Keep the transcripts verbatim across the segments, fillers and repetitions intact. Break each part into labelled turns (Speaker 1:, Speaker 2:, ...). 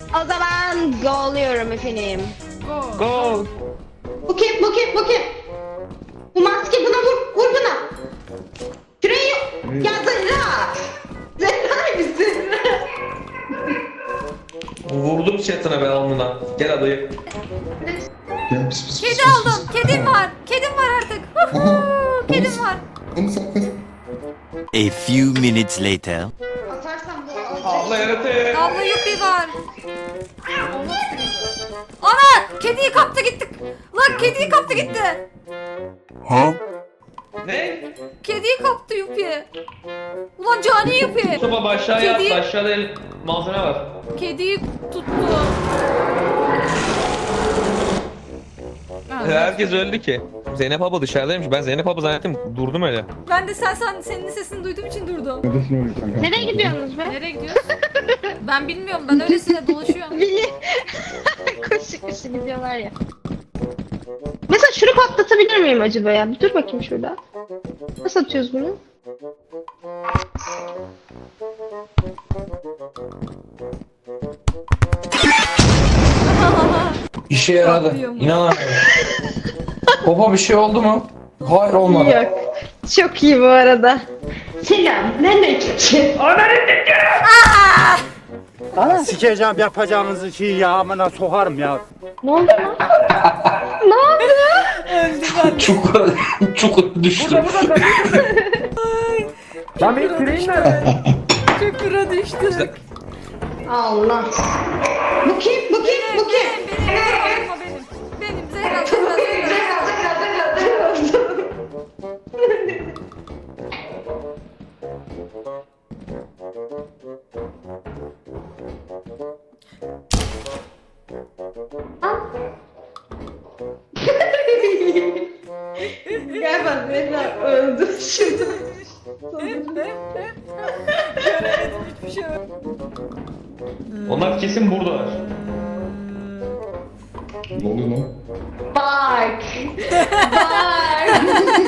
Speaker 1: O zaman golluyorum efendim.
Speaker 2: Go.
Speaker 3: Go.
Speaker 1: Bu kim? Bu kim? Bu kim? Bu maske buna vur. Vur buna. Şurayı. Ya Zehra. Zehra misin?
Speaker 3: Vurdum chatine ben alnına. Gel adayı.
Speaker 4: Gel pis pis pis.
Speaker 2: Kedi
Speaker 4: pis,
Speaker 2: aldım.
Speaker 4: pis.
Speaker 2: Kedim var. Kedim var artık.
Speaker 4: Aha.
Speaker 2: Kedim
Speaker 4: Onu-
Speaker 2: var.
Speaker 4: Onu sakla.
Speaker 5: A few minutes later.
Speaker 1: Atarsam bu
Speaker 3: Abla yaratık.
Speaker 2: Abla yuppie var. Ana! Kediyi kaptı gittik. Lan kediyi kaptı gitti.
Speaker 3: Ne?
Speaker 2: Kediyi kaptı yuppie. Ulan cani yuppie.
Speaker 3: Mustafa aşağıya
Speaker 2: Kedi-
Speaker 3: at. Aşağıda el malzeme var.
Speaker 2: Kediyi tuttu. Ha,
Speaker 3: Herkes öldü ki. Zeynep abla dışarıdaymış. Ben Zeynep abla zannettim. Durdum öyle.
Speaker 2: Ben de sen, sen senin sesini duyduğum için durdum.
Speaker 4: Kardeşin oluyor kanka.
Speaker 1: Nereye gidiyorsunuz be?
Speaker 2: Nereye gidiyoruz? Ben bilmiyorum. Ben öylesine dolaşıyorum.
Speaker 1: Bili. koşu koşu gidiyorlar ya. Mesela şunu patlatabilir miyim acaba ya? Bir dur bakayım şurada. Nasıl atıyoruz bunu?
Speaker 6: İşe yaradı.
Speaker 2: Patlıyor mu?
Speaker 6: İnanamıyorum. Baba bir şey oldu mu? Hayır olmadı.
Speaker 1: Yok. Çok iyi bu arada. Selam. Nereden çıktın?
Speaker 7: Sikeceğim yapacağınızı şeyi ya amına sokarım ya.
Speaker 1: Ne oldu lan? Ne oldu?
Speaker 6: Çukur, çukur düştü.
Speaker 7: Lan bir küreğin nerede?
Speaker 2: Çukura düştük.
Speaker 1: Allah. Bu kim? Bu kim? Bu kim?
Speaker 2: Benim, benim, benim, benim. Benim, Zehra, Zehra, Zehra.
Speaker 1: Galiba Zehra öldü şimdi.
Speaker 2: Göremedim hiçbir şey.
Speaker 3: Onlar kesin buradalar.
Speaker 4: Ne oluyor lan?
Speaker 1: Bak. Bak.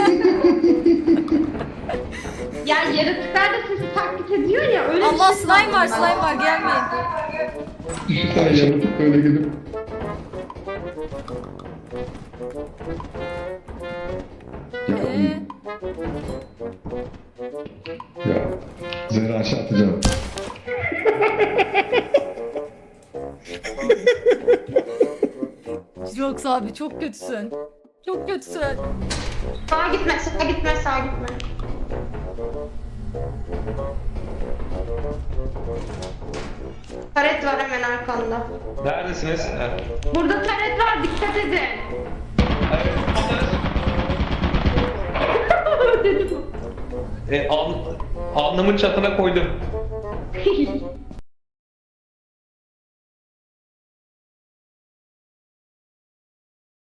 Speaker 1: Ya yaratıklar da sizi taklit ediyor ya öyle
Speaker 2: Allah
Speaker 1: bir şey
Speaker 2: slime var,
Speaker 1: sandım
Speaker 2: slime
Speaker 1: ben.
Speaker 2: var. Gelmeyin.
Speaker 4: Bir tane yaratık böyle gidip. Ya,
Speaker 2: Ee,
Speaker 4: ya. Zehra aşağı atacağım.
Speaker 2: Yoksa abi çok kötüsün. Çok kötüsün.
Speaker 1: Sağa gitme, sağa gitme, sağa gitme. Taret var hemen arkanda.
Speaker 3: Neredesiniz? Ha.
Speaker 1: Burada taret var, dikkat edin.
Speaker 3: Evet,
Speaker 1: Dedim.
Speaker 3: E, al, alnımın çatına koydum.